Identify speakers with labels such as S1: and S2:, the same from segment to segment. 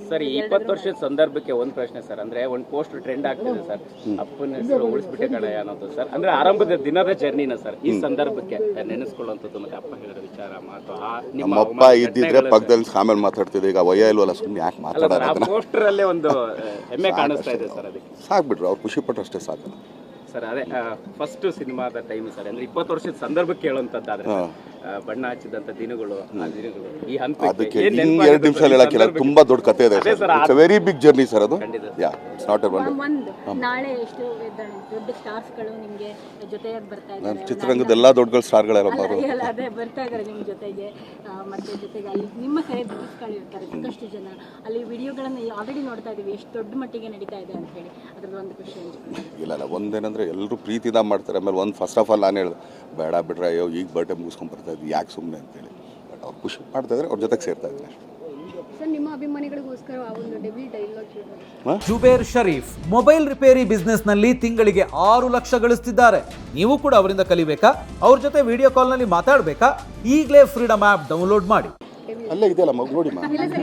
S1: Sir 20 ವರ್ಷದ ಸಂದರ್ಭಕ್ಕೆ ಒಂದು ಪ್ರಶ್ನೆ ಸರ್, ಅಂದ್ರೆ ಒಂದು ಪೋಸ್ಟ್ ಟ್ರೆಂಡ್ ಆಗ್ತಿದೆ ಸರ್, ಅಪ್ಪನ ಹೆಸರು ಉಳಿಸ್ಬಿಟ್ಟೆ ಕಣಯ್ಯ ಅನ್ನೋದು ಸರ್, ಅಂದ್ರೆ ಆರಂಭದ ದಿನದ ಜರ್ನಿನ ಸರ್ ಈ ಸಂದರ್ಭಕ್ಕೆ ನೆನೆಸ್ಕೊಳ್ಳುವಂಥದ್ದು ಮತ್ತೆ ಅಪ್ಪ ಹೇಳಿದ ವಿಚಾರ ಮಾತು
S2: ನಮ್ಮಪ್ಪ ಇದ್ದಿದ್ರೆ ಪಕ್ಕದಲ್ಲಿ ಆಮೇಲೆ ಮಾತಾಡ್ತಿದ್ದೆ, ಈಗ ವಯ ಇಲ್ವಲ್ಲ ಸುಮ್ಮನೆ ಯಾಕೆ ಮಾತಾಡೋದು.
S1: ಪೋಸ್ಟರ್ ಅಲ್ಲೇ ಒಂದು ಹೆಮ್ಮೆ ಕಾಣಿಸ್ತಾ ಇದೆ ಸರ್, ಅದಕ್ಕೆ
S2: ಸಾಕ್ಬಿಟ್ರು ಅವ್ರು ಖುಷಿ ಪಟ್ಟರು ಅಷ್ಟೇ ಸಾಕು
S1: ಸರ್. ಅದೇ ಫಸ್ಟ್ ಸಿನಿಮಾದ ಟೈಮ್ ಸರ್, ಅಂದ್ರೆ 20 ವರ್ಷದ ಸಂದರ್ಭಕ್ಕೆ ಹೇಳುವಂತದ್ದಾದ್ರೆ ಬಣ್ಣ ಹಚ್ಚಿದಂತ ದಿನಗಳು ಆ ದಿನಗಳು ಈ ಹಂತಕ್ಕೆ
S2: ಅದಕ್ಕೆ 2 ನಿಮಿಷ ಹೇಳಕ್ಕಿಲ್ಲ, ತುಂಬಾ ದೊಡ್ಡ ಕಥೆ ಇದೆ. It's very big journey sir ಅದು. ಯಾ ಇಟ್ಸ್ ನಾಟ್ ಎ
S3: ನಾಳೆ ಎಷ್ಟು ದೊಡ್ಡ ಸ್ಟಾರ್ಸ್ ಗಳು ನಿಮಗೆ ಜೊತೆಯಾಗಿ ಬರ್ತಾ ಇದ್ದಾರೆ,
S2: ಚಿತ್ರರಂಗದ ಎಲ್ಲಾ ದೊಡ್ಡ ಸ್ಟಾರ್ಗಳೆಲ್ಲ
S3: ಅದೇ ಬರ್ತಾ ಇದ್ದಾರೆ ನಿಮ್ಮ ಜೊತೆಗೆ. ಮತ್ತೆ ಜೊತೆಗೆ ಅಲ್ಲಿ ನಿಮ್ಮ ಕಡೆ ಗಳು ಇರ್ತಾರೆ ಸಾಕಷ್ಟು ಜನ, ಅಲ್ಲಿ ವಿಡಿಯೋಗಳನ್ನು ಆಲ್ರೆಡಿ ನೋಡ್ತಾ ಇದೀವಿ, ಎಷ್ಟು ದೊಡ್ಡ ಮಟ್ಟಿಗೆ ನಡೀತಾ ಇದೆ ಅಂತ ಹೇಳಿ ಅದ್ರದ್ದು ಒಂದು ಖುಷಿ
S2: ಇಲ್ಲ. ಒಂದೇನಂದ್ರೆ ಎಲ್ಲರೂ ಪ್ರೀತಿದ ಮಾಡ್ತಾರೆ. ಆಮೇಲೆ ಒಂದು ಫಸ್ಟ್ ಆಫ್ ಆಲ್ ನಾನು ಹೇಳಿದೆ ಬೇಡ ಬಿಡ್ರೆ ಅಯ್ಯೋ ಈಗ ಬರ್ಡೇ ಮುಗಿಸ್ಕೊಂಡು ಬರ್ತಾ ಇದ್ವಿ ಯಾಕೆ ಸುಮ್ಮನೆ ಅಂತೇಳಿ. ಬಟ್ ಅವ್ರು ಖುಷಿ ಮಾಡ್ತಾ ಇದ್ರೆ ಅವ್ರ ಜೊತೆಗೆ ಸೇರ್ತಾ ಇದ್ದೀನಿ.
S3: ನಿಮ್ಮ ಅಭಿಮಾನಿಗಳಿಗೋಸ್ಕರ ಒಂದು debut dialogue
S4: Zubair Sharif mobile repair business ನಲ್ಲಿ ತಿಂಗಳಿಗೆ 6 ಲಕ್ಷ ಗಳಿಸ್ತಿದ್ದಾರೆ. ನೀವು ಕೂಡ ಅವರಿಂದ ಕಲಿಬೇಕಾ, ಅವ್ರ ಜೊತೆ ವಿಡಿಯೋ ಕಾಲ್ ನಲ್ಲಿ ಮಾತಾಡಬೇಕಾ? ಈಗಲೇ ಫ್ರೀಡಮ್ ಆಪ್ ಡೌನ್ಲೋಡ್ ಮಾಡಿ.
S2: ಅಲ್ಲೇ ಇದೆಯಲ್ಲ ಮಗು ನೋಡಿ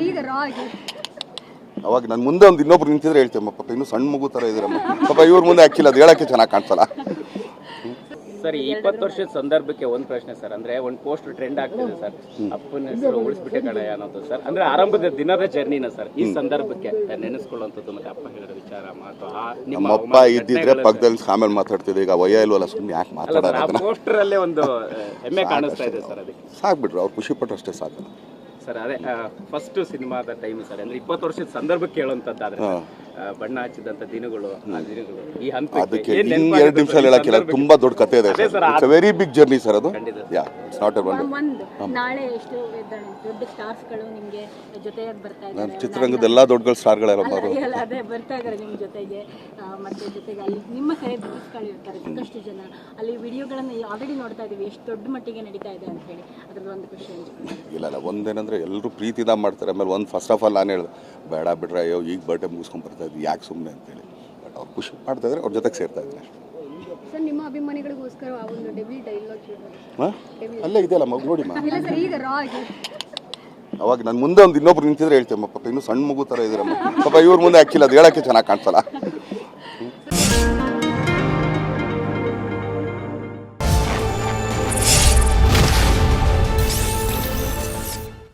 S2: ಅವಾಗ ನಾನು ಮುಂದೆ ಒಂದು ಇನ್ನೊಬ್ರು ನಿಂತಿದ್ರೆ ಹೇಳ್ತೇವೆ ಪಾಪ ಇನ್ನೂ ಸಣ್ಣ ಮಗು ಥರ ಇದ್ದೀರಮ್ಮ ಪಾಪ ಇವ್ರ ಮುಂದೆ ಹಾಕಿಲ್ಲ, ಅದು ಹೇಳಕ್ಕೆ ಚೆನ್ನಾಗಿ ಕಾಣಿಸಲ್ಲ.
S1: ಸರ್ 20 ವರ್ಷದ ಸಂದರ್ಭಕ್ಕೆ ಒಂದು ಪ್ರಶ್ನೆ ಸರ್, ಅಂದ್ರೆ ಒಂದು ಪೋಸ್ಟ್ ಟ್ರೆಂಡ್ ಆಗ್ತಿದೆ ಸರ್, ಅಪ್ಪನ ಹೆಸರು ಉಳಿಸ್ಬಿಟ್ಟೆ ಕಣಯ್ಯ ಅನ್ನೋದು ಸರ್, ಅಂದ್ರೆ ಆರಂಭದ ದಿನದ ಜರ್ನಿನ ಸರ್ ಈ ಸಂದರ್ಭಕ್ಕೆ ನೆನೆಸ್ಕೊಳ್ಳುವಂಥದ್ದು ಮತ್ತೆ ಅಪ್ಪ ಹೇಳಿದ ವಿಚಾರ ಮಾತು
S2: ನಮ್ಮಪ್ಪ ಇದ್ದಿದ್ರೆ ಪಕ್ಕದಲ್ಲಿ ಆಮೇಲೆ ಮಾತಾಡ್ತಿದ್ದೆ, ಈಗ ವಯ ಇಲ್ವಲ್ಲ ಸುಮ್ಮನೆ ಯಾಕೆ ಮಾತಾಡೋದು.
S1: ಪೋಸ್ಟರ್ ಅಲ್ಲೇ ಒಂದು ಹೆಮ್ಮೆ ಕಾಣಿಸ್ತಾ ಇದೆ ಸರ್, ಅದಕ್ಕೆ
S2: ಸಾಕ್ಬಿಟ್ರು ಅವ್ರು ಖುಷಿ ಪಟ್ಟರು ಅಷ್ಟೇ ಸಾಕು
S1: ಸರ್. ಅದೇ ಫಸ್ಟ್ ಸಿನಿಮಾದ ಟೈಮ್ ಸರ್, ಅಂದ್ರೆ 20 ವರ್ಷದ ಸಂದರ್ಭಕ್ಕೆ ಹೇಳುವಂತದ್ದಾದ್ರೆ ಬಣ್ಣ ಹಚ್ಚಿದಂತ ದಿನಗಳು ಆ ದಿನಗಳು ಈ ಹಂತಕ್ಕೆ
S2: ಅದಕ್ಕೆ 2 ನಿಮಿಷ ಹೇಳಕ್ಕಿಲ್ಲ, ತುಂಬಾ ದೊಡ್ಡ ಕಥೆ ಇದೆ. It's very big journey sir ಅದು. ಯಾ ಇಟ್ಸ್ ನಾಟ್ ಎ
S3: ನಾಳೆ ಎಷ್ಟು ದೊಡ್ಡ ಸ್ಟಾರ್ಸ್ ಗಳು ನಿಮಗೆ ಜೊತೆಯಾಗಿ ಬರ್ತಾ ಇದ್ದಾರೆ,
S2: ಚಿತ್ರರಂಗದ ಎಲ್ಲಾ ದೊಡ್ಡ ಸ್ಟಾರ್ಗಳೆಲ್ಲ
S3: ಅದೇ ಬರ್ತಾ ಇದ್ದಾರೆ ನಿಮ್ಮ ಜೊತೆಗೆ. ಮತ್ತೆ ಜೊತೆಗೆ ಅಲ್ಲಿ ನಿಮ್ಮ ಕಡೆ ಗಳು ಇರ್ತಾರೆ ಸಾಕಷ್ಟು ಜನ, ಅಲ್ಲಿ ವಿಡಿಯೋಗಳನ್ನು ಆಲ್ರೆಡಿ ನೋಡ್ತಾ ಇದೀವಿ, ಎಷ್ಟು ದೊಡ್ಡ ಮಟ್ಟಿಗೆ ನಡೀತಾ ಇದೆ ಅಂತ ಹೇಳಿ ಅದ್ರದ್ದು ಒಂದು ಖುಷಿ
S2: ಇಲ್ಲ. ಒಂದೇನಂದ್ರೆ ಎಲ್ಲರೂ ಪ್ರೀತಿದ ಮಾಡ್ತಾರೆ. ಆಮೇಲೆ ಒಂದು ಫಸ್ಟ್ ಆಫ್ ಆಲ್ ನಾನು ಹೇಳಿದೆ ಬೇಡ ಬಿಡ್ರೆ ಅಯ್ಯೋ ಈಗ ಬರ್ಡೇ ಮುಗಿಸ್ಕೊಂಡು ಬರ್ತಾ ಇದ್ವಿ ಯಾಕೆ ಸುಮ್ಮನೆ ಅಂತೇಳಿ. ಬಟ್ ಅವ್ರು ಖುಷಿ ಮಾಡ್ತಾ ಇದ್ರೆ ಅವ್ರ ಜೊತೆಗೆ ಸೇರ್ತಾ ಇದ್ದೀನಿ.
S3: ಸರ್ ನಿಮ್ಮ ಅಭಿಮಾನಿಗಳಿಗೋಸ್ಕರ ಒಂದು ಡೆಬ್ಯೂ ಡೈಲಾಗ್
S2: ಅಲ್ಲೇ ಇದೆಯಲ್ಲ ಮಗು ನೋಡಿ
S3: ಅವಾಗ
S2: ನಾನು ಮುಂದೆ ಒಂದು ಇನ್ನೊಬ್ರು ನಿಂತಿದ್ರೆ ಹೇಳ್ತೇವೆ ಪಾಪ ಇನ್ನೂ ಸಣ್ಣ ಮಗು ಥರ ಇದ್ದೀರಮ್ಮ ಪಾಪ ಇವ್ರ ಮುಂದೆ ಹಾಕಿಲ್ಲ, ಅದು ಹೇಳಕ್ಕೆ ಚೆನ್ನಾಗಿ ಕಾಣಿಸಲ್ಲ.